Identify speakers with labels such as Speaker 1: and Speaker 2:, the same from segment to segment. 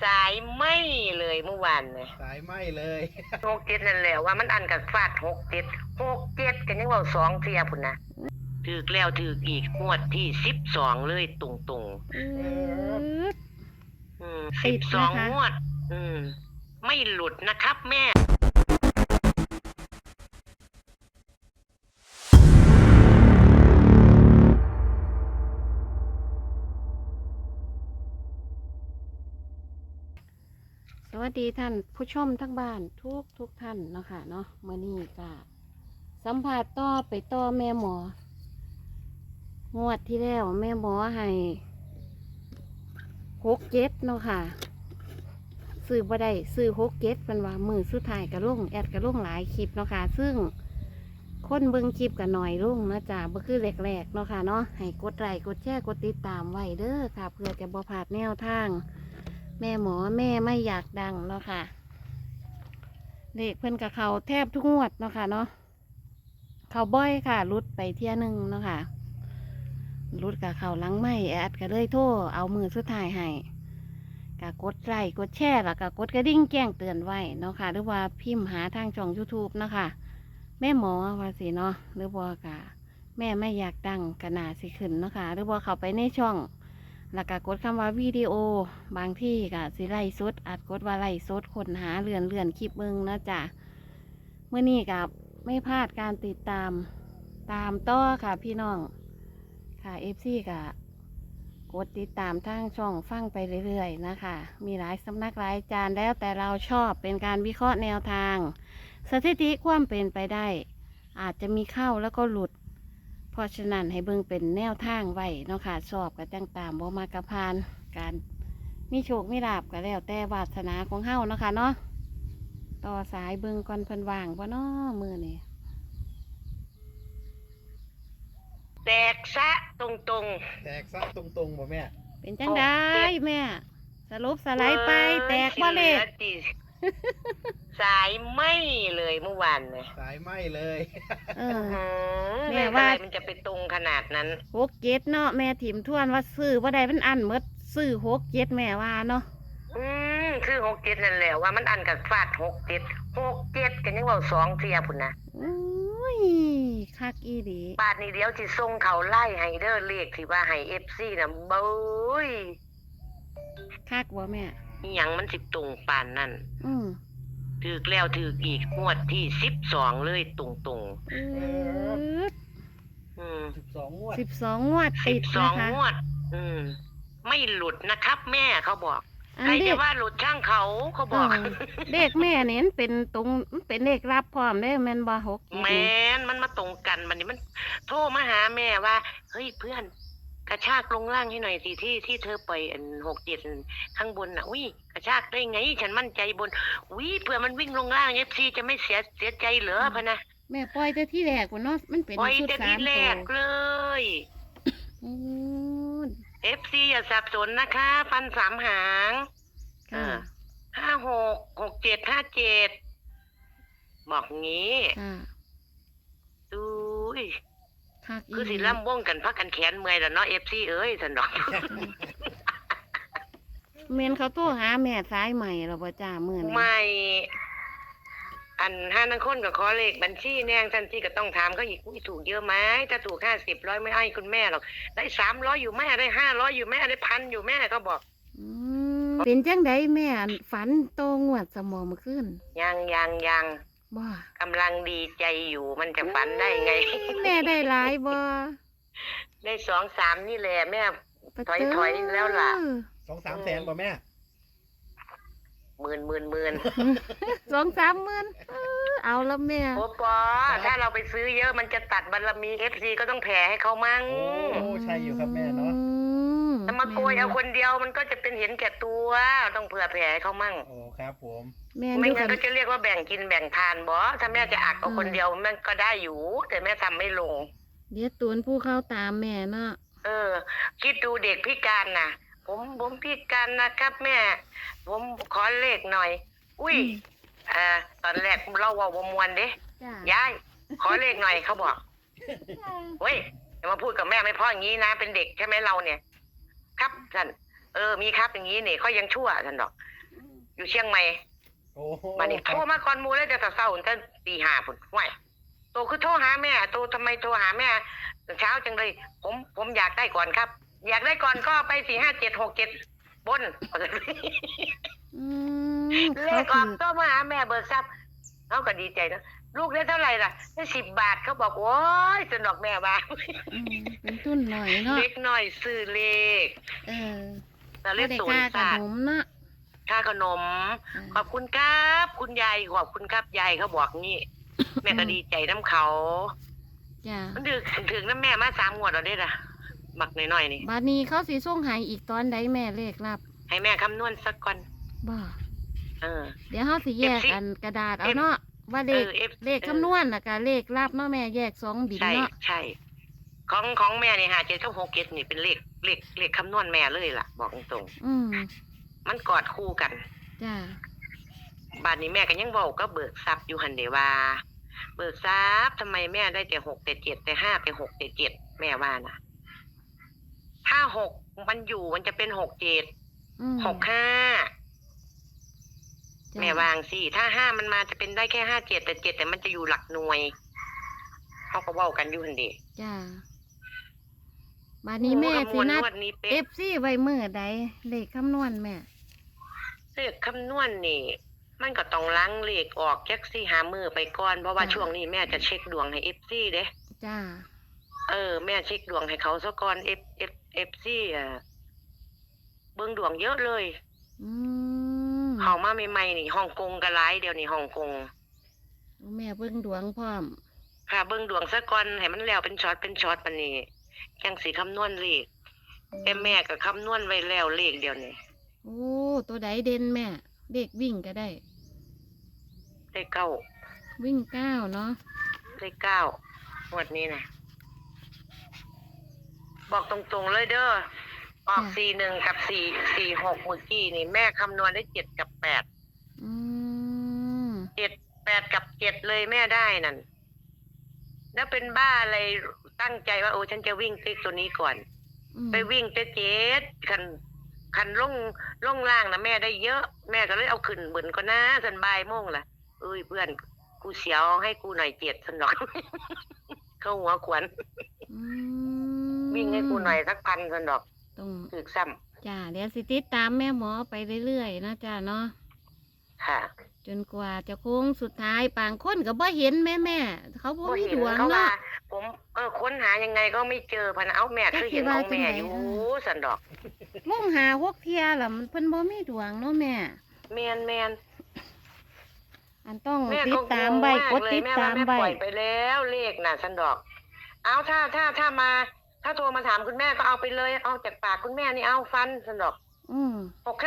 Speaker 1: สายไหมเลยเมื่อวานเนี่ย
Speaker 2: สายไหมเลย
Speaker 1: 67นั่นแหละว่ามันอันกับฟาด67กันยังเว้า2เที่ยพุ่นนะถูกแล้วถูกอีกงวดที่12เลยตรงๆ
Speaker 3: ติดนะ
Speaker 1: 12
Speaker 3: คะ
Speaker 1: งวดไม่หลุดนะครับแม่
Speaker 3: สวัสดีท่านผู้ชมทั้งบ้านทุกท่านเนาะค่ะเนาะมื้อนี้ก็สัมภาษณ์ต่อไปต่อแม่หมองวดที่แล้วแม่หมอให้67เนาะค่ะซื้อบ่ได้ซื้อ67เพิ่นว่ามื้อสุดท้ายก็ลงแอดก็ลงหลายคลิปเนาะค่ะซึ่งคนเบิ่งคลิปก็น้อยลงนะจ๊ะบ่คือแรกๆเนาะค่ะเนาะให้กดไลค์กดแชร์กดติดตามไว้เด้อค่ะเพื่อจะบ่พลาดแนวทางแม่หมอแม่ไม่อยากดังเนาะค่ะเลขเพิ่นกับเขาแทบทุกงวดเนาะค่ะเนาะเขาบ่อยค่ะรุดไปเที่ยหนึ่งเนาะค่ะรุดกับเขาหลังไม่แอดก็เลยโทรเอามือสุดท้ายให้กะกดไลค์กดแชร์แล้วก็กดกระดิ่งแจ้งเตือนไว้เนาะค่ะหรือว่าพิมพ์หาทางช่อง YouTube เนาะค่ะแม่หมอว่าสิเนาะหรือว่ากะแม่ไม่อยากดังกะนาสิขึ้นเนาะค่ะหรือว่าเขาไปในช่องแล้วก็กดคำว่าวิดีโอบางที่ก็สิไล่สดอาจกดว่าไล่สดค้นหาเลื่อนคลิปเบิ่งนะจ๊ะเมื่อนี้กับไม่พลาดการติดตามต่อค่ะพี่น้องค่ะFCก็กดติดตามทางช่องฟังไปเรื่อยๆนะคะมีหลายสำนักหลายอาจารย์แล้วแต่เราชอบเป็นการวิเคราะห์แนวทางสถิติความเป็นไปได้อาจจะมีเข้าแล้วก็หลุดเพราะฉะนั้นให้เบิ่งเป็นแนวทางไว้เนาะค่ะชอบกับจังตามบ่มากระพานการมีโชคมีลาภก็แล้วแต่วาสนาของเฮาเนาะค่ะเนาะต่อสายเบิ่งก่อนเพิ่นว่างบ่เนาะมื้อนี้
Speaker 1: แตกซะตรง
Speaker 2: แตกซะตรงๆบ่แม่
Speaker 3: เป็นจังได้แม่สรุปสไลด์ไปแตกบ่เลข
Speaker 1: สายไหมเลยเมื่อวานเนี่ย
Speaker 2: สายไหมเลย
Speaker 3: เออ
Speaker 1: แม่
Speaker 3: แม่
Speaker 1: ว่า
Speaker 3: ว่า
Speaker 1: มันจะไปตรงขนาดนั้น
Speaker 3: 67เนาะแม่ถิ่มทวนว่าซื้อบ่ได้มันอันหมดซื้อ67แม่ว่าเนาะ
Speaker 1: คือ67นั่นแหละว่ามันอันกับฟาด67กันยังเว้า2เที่ยพุ่นนะ
Speaker 3: อุ้ยคักอีหลี
Speaker 1: บาทนี้เดี๋ยวสิส่งเขาไล่ให้เด้อเลขที่ว่าให้ FC น่ะเบ้ย
Speaker 3: คักบ่แม่
Speaker 1: อิหยังมันสิตรงปานนั้น
Speaker 3: อืม
Speaker 1: ถูกแล้วถูกอีกงวดที่12เลยตรง
Speaker 3: อืด
Speaker 2: 12งวด
Speaker 3: 12งวดติดนะ
Speaker 1: 12
Speaker 3: คะ
Speaker 1: งวดไม่หลุดนะครับแม่เขาบอก
Speaker 3: อัน
Speaker 1: ใคร
Speaker 3: เด็
Speaker 1: จะ
Speaker 3: ก
Speaker 1: ว่าหลุดช่างเขาบอก
Speaker 3: เด็กแม่เนี่ยมันเป็นตรงมันเป็นเลขรับพร้อมได้แม่นบ่6
Speaker 1: แมนมันมาตรงกันมันนี่มันโทรมาหาแม่ว่าเฮ้ยเพื่อนกระชากลงล่างให้หน่อยสิที่เธอปล่อย67ข้างบนน่ะอุ้ยกระชากได้ไงฉันมั่นใจบนอุ้ยเผื่อมันวิ่งลงล่าง FC จะไม่เสียใจเหรอพะนะ
Speaker 3: แม่ปล่อยแต่ที่แรกว่าเนาะมันเป็น
Speaker 1: ปล่อย
Speaker 3: ชุด
Speaker 1: แต่
Speaker 3: สา
Speaker 1: ที
Speaker 3: ม
Speaker 1: แร
Speaker 3: ตัว
Speaker 1: กเลย
Speaker 3: อืด
Speaker 1: FC อย่าสับสนนะคะฟัน3 หาง
Speaker 3: ค่ะ
Speaker 1: 56 67 57บอกงี้
Speaker 3: ค่ะ
Speaker 1: ดูย
Speaker 3: คักอี
Speaker 1: คือ
Speaker 3: ห
Speaker 1: สิ
Speaker 3: ลี
Speaker 1: ล่ำวงกันพักกันแขนเมื่อยแล้วเนาะ FC เอ้ยสันดอก
Speaker 3: แม่นเขาโทรหาแม่สายใหม่แล้วบ่จ้ามื้อนี้
Speaker 1: ไม่ อันห้านังคนกับขอเลขบัญชีแนงทันทีก็ต้องถามเขาอีกอุ้ยถูกเยอะไหมถ้าถูก50 100ไม่ให้คุณแม่หรอกได้300อยู่แม่ได้500อยู่แม่ได้1,000อยู่แม่ก็บอก
Speaker 3: อืมเป็นจังไดแม่อันฝันโตงวดสมองเมื่อคืน
Speaker 1: ยัง
Speaker 3: บ่
Speaker 1: กำลังดีใจอยู่มันจะฝันได้ไง
Speaker 3: แม่ได้หลายบ่
Speaker 1: ได้2-3นี่แหละแม่
Speaker 3: ปะ
Speaker 1: ถอย
Speaker 3: เจ้อ
Speaker 1: แล้วล่ะ
Speaker 2: 2-3 แสนบ่แม่
Speaker 1: หมื่น
Speaker 3: 2-3 หมื่นเอาแล้วแม่
Speaker 1: โอ้ปอถ้าเราไปซื้อเยอะมันจะตัดบารมี FC ก็ต้องแผ่ให้เขามั่ง
Speaker 2: โอ้ใช่อยู่ครับแม่เนาะ
Speaker 1: ถ้ามาโกยเอาคนเดียวมันก็จะเป็นเห็นแก่ตัวต้องเผื่อแผ่ให้เขามั่ง
Speaker 2: โอ้ครับผม
Speaker 3: แม่
Speaker 1: ไม่
Speaker 3: ดู
Speaker 1: งั้
Speaker 3: กัน น
Speaker 1: ก็จะเรียกว่าแบ่งกินแบ่งทานบ่ถ้าแม่จะอักเอาคนเดียวมันก็ได้อยู่ แต่แม่ทำไม่ลง
Speaker 3: เดี๋ยวตูนผู้เข้าตามแม่เนาะ
Speaker 1: คิดดูเด็กพิการน่ะ ผมพิการนะครับแม่ ผมขอเลขหน่อย อุ้ยตอนแรกเราว่ามวนเด้
Speaker 3: จ้า
Speaker 1: ยายขอเลขหน่อยเขาบอกเฮ้ยอย่ามาพูดกับแม่ไม่เพ่ออย่างนี้นะเป็นเด็กใช่ไหมเราเนี่ย ครับท่านมีครับอย่างนี้นี่เขายังชั่วท่านดอก อยู่เชียงใหม่
Speaker 2: โอ้โห
Speaker 1: มานี่โทรมาก่อนหมูเลยแต่เช้าตั้งตีห้าพุ่นไหวโตคือโทรหาแม่โตทำไมโทรหาแม่เช้าจังเลย ผมอยากได้ก่อนครับ อยากได้ก่อนก็ไป45767บน
Speaker 3: อืม
Speaker 1: เลขออกโทรมาหาแม่เบิกทรัพย์เขาก็ดีใจนะลูกได้เท่าไหร่ล่ะได้10 บาทเขาบอกโอ้ยสนอกแม่ว่า
Speaker 3: เป็นทุนหน่อยเนาะ
Speaker 1: เล็กหน่อยซื้อเลข แต่เล
Speaker 3: บ่
Speaker 1: ข
Speaker 3: ได้
Speaker 1: ศูน
Speaker 3: ค่า
Speaker 1: ย์
Speaker 3: ข
Speaker 1: ศาสต
Speaker 3: น
Speaker 1: ร์
Speaker 3: มเนาะ
Speaker 1: ค่าขนม ขอบคุณครับ คุณยายขอบคุณครับยายเขาบอกนี่ แม่ก็ดีใจน้ำเขา
Speaker 3: จ้ะ
Speaker 1: มันถึงน้ำแม่มา3 งวดแล้วเด้ล่ะบักน้อยๆนี่
Speaker 3: บัดนี้เขาสิส่งให้อีกตอนใดแม่เลขรับ
Speaker 1: ให้แม่คำนวณสักก่อน
Speaker 3: บ่
Speaker 1: เออ
Speaker 3: เดี๋ยวเฮาสิแยก
Speaker 1: FC
Speaker 3: อันกระดาษเอาเนาะว่าเลข
Speaker 1: FC
Speaker 3: เลขคำนวณน่ะกับเลขรับเนาะแม่แยก2บิน
Speaker 1: ใช่
Speaker 3: เนาะ
Speaker 1: ใช่ของแม่นี่57กับ67นี่เป็นเลขคำนวณแม่เลยล่ะ บอกตรง
Speaker 3: อืม
Speaker 1: ๆมันกอดคู่กัน
Speaker 3: จ้ะ
Speaker 1: บาดนี้แม่ก็ยังเว้าก็เบิกทรัพย์อยู่หั่นเด้ว่า เบิกทรัพย์ทำไมแม่ได้แต่6แต่7แต่5แต่6แต่7แม่ว่านะถ้า6มันอยู่มันจะเป็น67
Speaker 3: อืม
Speaker 1: 65
Speaker 3: จ้ะ
Speaker 1: แม่วางสิถ้า5มันมาจะเป็นได้แค่57แต่7แต่มันจะอยู่หลักหน่วยเขาก็เว้ากันอยู่หั่นเด้
Speaker 3: จ้ะบัดนี้แม่สินัด
Speaker 1: งวดนี้เป๊ะ
Speaker 3: FC ไว้มื้อใดเลขคำนวณแม่
Speaker 1: เลขคำนวณนี่ มันก็ต้องล้างเลขออกจัก4 5มื้อไปก่อนเพราะว่าช่วงนี้แม่จะเช็คดวงให้ FC เด้
Speaker 3: จ้ะ
Speaker 1: แม่เช็คดวงให้เขาซะก่อน FC เบิ่งดวงเยอะเลย
Speaker 3: อืม
Speaker 1: เข้ามาใหม่ๆนี่ฮ่องกงก็หลายเดี๋ยวนี้ฮ่องกง
Speaker 3: แม่เบิ่งดวงพร้อม
Speaker 1: ค่ะเบิ่งดวงซะก่อนให้มันแล้วเป็นช็อตปานนี้จังสิคำนวณเลขแต่แม่ก็คำนวณไว้แล้วเลขเดียวนี้
Speaker 3: โอ้ตัวใดเด่นแม่เด็กวิ่งก็ได้
Speaker 1: ได้เก้า
Speaker 3: วิ่ง9เนาะ
Speaker 1: ได้9งวดนี้นะบอกตรงๆเลยเด้อออก41กับ446เมื่อกี้นี่แม่คำนวณได้7กับ8
Speaker 3: อืม
Speaker 1: 8กับ7เลยแม่ได้นั่นแล้วเป็นบ้าอะไรตั้งใจว่าโอ้ฉันจะวิ่งติ๊กตัวนี้ก่อน ไปวิ่งแต่7คันลงล่างนะแม่ได้เยอะแม่ก็เลยเอาขึ้นเบิ่นก็นะสันบ่ายโมงล่ะเอ้ยเพื่อนกูเสียวให้กูหน่อย7สันดอก เข้าหัวขวัญ
Speaker 3: อืม
Speaker 1: วิ่งให้กูหน่อยสัก1,000สันดอก
Speaker 3: ต้อง
Speaker 1: ถึกซ้ำ
Speaker 3: จ้าเดี๋ยวสิติดตามแม่หมอไปเรื่อยๆนะจ้าเนาะ
Speaker 1: ค่ะ
Speaker 3: จนกว่าจะโค้งสุดท้ายปางคนก็บ่เห็นแม่เขาบ่
Speaker 1: บ่
Speaker 3: มี
Speaker 1: เห็
Speaker 3: ด
Speaker 1: น
Speaker 3: วง
Speaker 1: เขาว่า
Speaker 3: เนาะ
Speaker 1: ผมค้นหายังไงก็ไม่เจอพะนะเอาแม่คือเห็นของแม่อยู่สันดอก
Speaker 3: มองหาหกเที่ยล่ะมันเพิ่นบ่มีดวงเนาะแม่
Speaker 1: แมน
Speaker 3: อันต้อง
Speaker 1: แม่
Speaker 3: ติ
Speaker 1: ก็
Speaker 3: ดตามใบกด
Speaker 1: เลย
Speaker 3: ติด
Speaker 1: แม่
Speaker 3: ตา
Speaker 1: ว่าม แม่
Speaker 3: ใบ
Speaker 1: ปล่อยไปแล้วเลขน่ะสันดอก เอาถ้ามา ถ้าโทรมาถามคุณแม่ก็เอาไปเลยเอาจากปากคุณแม่นี่เอาฟันสันดอก
Speaker 3: อืม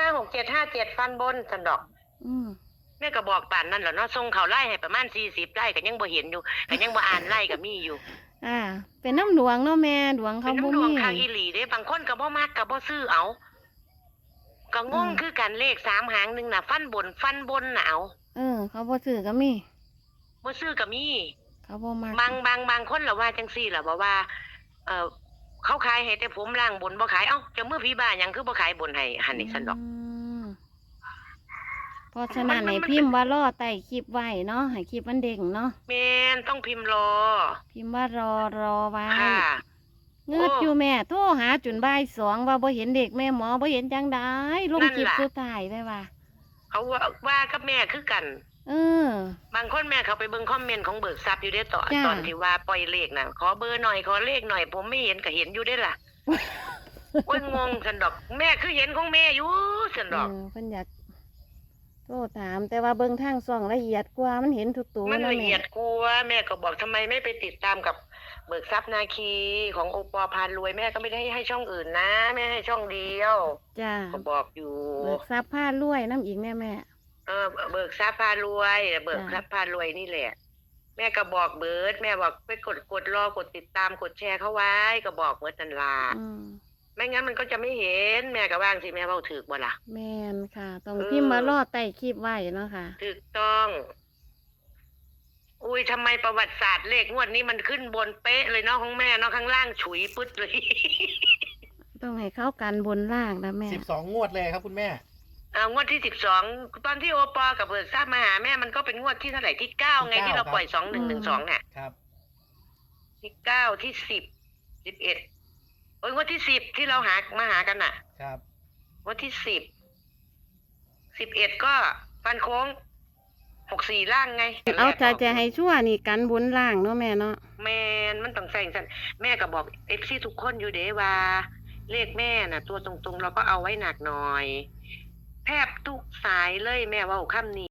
Speaker 1: 656757ฟันบนสันดอก
Speaker 3: อืม
Speaker 1: แม่ก็บอกป่านนั่นแหละเนาะส่งเขาไล่ให้ประมาณ40ไล่ก็ยังบ่เห็นอยู่ก็ยังบ่อ่านไล่ก็มีอยู่
Speaker 3: เป็นน้ำดวงเนาะแม่ดวง
Speaker 1: เป็
Speaker 3: เขา
Speaker 1: น
Speaker 3: บ่
Speaker 1: น้ำดว
Speaker 3: มี
Speaker 1: งคางอีหลีเด้บางคนก็บ่มักก็บ่ซื้อเอาก็งงคือกันเลข3 หางหนึงน่ะฟันบนน่ะเอา
Speaker 3: เขาบ่ซื้อก็มี
Speaker 1: บ่ซื้อก็มี
Speaker 3: เขาบ่มัก
Speaker 1: บางคนล่ะว่าจังซี่ล่ะว่าเขาขายให้แต่ผมล่างบนบ่ขายเอ้าเจะมือพี่บ้าหยังคือบ่ขายบนให้หั่นนี่ซั่นดอก
Speaker 3: มเพราะฉะนั้นให้พิมพ์ว่ารอใต้คลิปไว้เนาะให้คลิปมันเด้งเนาะ
Speaker 1: แม่นต้องพิมพ์รอ
Speaker 3: พิมพ์ว่ารอไว้
Speaker 1: ค่ะ
Speaker 3: เงืดอยู่แม่โทรหาจนบ่าย2ว่าบ่เห็นเด็กแม่หมอบ่เห็นจังได้ลงคลิปสุดท้ายได้ว่า
Speaker 1: เขาว่ากับแม่คือกัน บางคนแม่เขาไปเบิ่งคอมเมนต์ของเบิกทรัพย์อยู่ได้ตอนที่ว่าปล่อยเลขน่ะขอเบอร์หน่อยขอเลขหน่อยผมไม่เห็นก็เห็นอยู่ได้ล่ะ โอ้ยงงซั่นดอก แม่คือเห็นของแม่อยู่ซั่นดอก
Speaker 3: เพิ่นอยากโทรถามแต่ว่าเบิ่งทางช่องละเอียดกว่ามันเห็นทุกตัว
Speaker 1: มัน
Speaker 3: เนาะ
Speaker 1: ละ
Speaker 3: แม่
Speaker 1: เอียดกลัวแม่ก็บอกทำไมไม่ไปติดตามกับเบิกทรัพย์นาคีของโอปอพานรวยแม่ก็ไม่ได้ให้ช่องอื่นนะแม่ให้ช่องเดียว
Speaker 3: จ้า
Speaker 1: ก็บอกอยู่
Speaker 3: เบิกทรัพย์ผ้ารวยน้ำอีกแม่
Speaker 1: เบิกทรัพย์พารวยเบิกทรัพย์พารวยนี่แหละ แม่ก็บอกเบิร์ดแม่บอกไปกดรอกดติดตามกดแชร์เขาไว้ก็บอกเบิร์ดนันลา ไม่งั้นมันก็จะไม่เห็นแม่ก็ว่างสิแม่เว้าถูกบ่ล่ะ
Speaker 3: แม่นค่ะ ต้องพิมพ์มารอใต้คลิปไว้เนาะค่ะ
Speaker 1: ถูกต้อง อุ้ยทำไมประวัติศาสตร์เลขงวดนี้มันขึ้นบนเป๊ะเลยเนาะของแม่เนาะข้างล่างฉุยปึ๊ดเลย
Speaker 3: ตต้องให้เข้ากันบนล่างนะแม่
Speaker 2: 12 งวดเลยครับคุณแม่
Speaker 1: งวดที่12ตอนที่โอปอกับเบิร์ดทราบมาหาแม่มันก็เป็นงวดที่เท่าไหร่ที่9ไง
Speaker 2: ที่
Speaker 1: ที่เรา
Speaker 2: 9
Speaker 1: ปล่อย2112เนี่ย
Speaker 2: ครับ
Speaker 1: ที่9ที่10 11โอ้ยงวดที่10ที่เรามาหากันน่ะ
Speaker 2: ครับ
Speaker 1: งวดที่11ก็ฟันโค้ง64ล่างไง
Speaker 3: เอาจะให้ชั่วนี่กันบนล่างเนาะแม่เนาะ
Speaker 1: แม่มันต้องใส่สันแม่ก็บอกFCทุกคนอยู่เด้ว่า เลขแม่น่ะ ตัวตรงๆเราก็เอาไว้หนักหน่อย แทบทุกสายเลยแม่เว่าคำนี้